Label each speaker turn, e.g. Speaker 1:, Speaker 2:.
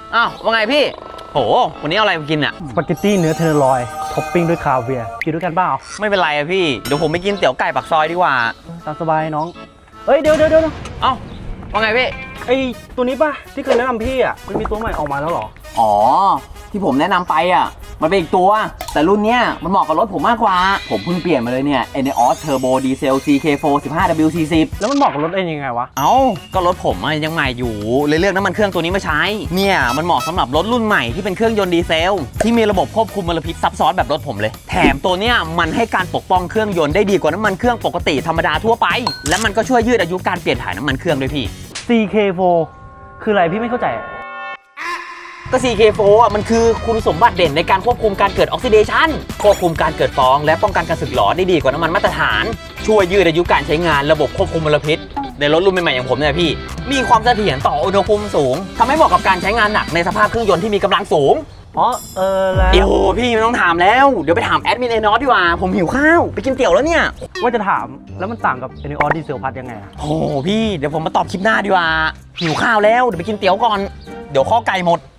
Speaker 1: อ้าวว่าไงพี่โหวันนี้เอาอะไรมากินอ่ะ
Speaker 2: สปาเกตตี้เนื้อเทนเนอร์ลอยท็อปปิ้งด้วยคาเวียร์กินด้วยกันเปล่า
Speaker 1: ไม่เป็นไรอะพี่เดี๋ยวผมไปกินเตี๋ยวไก่ปากซอยดีกว่า
Speaker 2: ตามสบายน้องเอ้ยเดี๋ยว
Speaker 1: เอ้าว่าไงพี่
Speaker 2: ไอตัวนี้ป่ะที่เคยแนะนำพี่อ่ะมันมีตัวใหม่ออกมาแล้วเหรอ
Speaker 1: อ๋อที่ผมแนะนำไปอ่ะมันเป็นอีกตัวแต่รุ่นเนี้ยมันเหมาะกับรถผมมากกว่าผมเพิ่งเปลี่ยนมาเลยเนี่ย ENEOS Turbo Diesel CK4 15W40
Speaker 2: แล้วมันเหมาะกับรถเองยังไงวะ
Speaker 1: เอ้าก็รถผมยังใหม่อยู่เลยเลือกน้ำมันเครื่องตัวนี้มาใช้เนี่ยมันเหมาะสำหรับรถรุ่นใหม่ที่เป็นเครื่องยนต์ดีเซลที่มีระบบควบคุมมลพิษซับซ้อนแบบรถผมเลยแถมตัวเนี้ยมันให้การปกป้องเครื่องยนต์ได้ดีกว่าน้ำมันเครื่องปกติธรรมดาทั่วไปและมันก็ช่วยยืดอายุการเปลี่ยนถ่ายน้ำมันเครื่องด้วยพี่
Speaker 2: CK4 คืออะไรพี่ไม่เข้าใจ
Speaker 1: ก็ CK4 อ่ะมันคือคุณสมบัติเด่นในการควบคุมการเกิดออกซิเดชันควบคุมการเกิดฟองและป้องกันการสึกหรอได้ดีกว่าน้ำมันมาตรฐานช่วยยืดอายุการใช้งานระบบควบคุมมลพิษในรถรุ่นใหม่ๆอย่างผมเนี่ยพี่มีความเสถียรต่ออุณหภูมิสูงทำให้เหมาะกับการใช้งานหนักในสภาพเครื่องยนต์ที่มีกำลังสูง
Speaker 2: อ๋อแล้ว
Speaker 1: เดี๋ยวพี่ไม่ต้องถามแล้วเดี๋ยวไปถามแอดมินENEOSดีกว่าผมหิวข้าวไปกินเตี๋ยวแล้วเนี่ย
Speaker 2: ว่าจะถามแล้วมันต่างกับ ENEOS ดีเซลพัทยังไง
Speaker 1: โอ้พี่เดี๋ยวผมมาตอบคลิปหน้าดีกว่าหิวข้าวแล้วเดี๋ยวไปกินเตี๋ยวก่อนเดี๋ยวข้อไก่หมด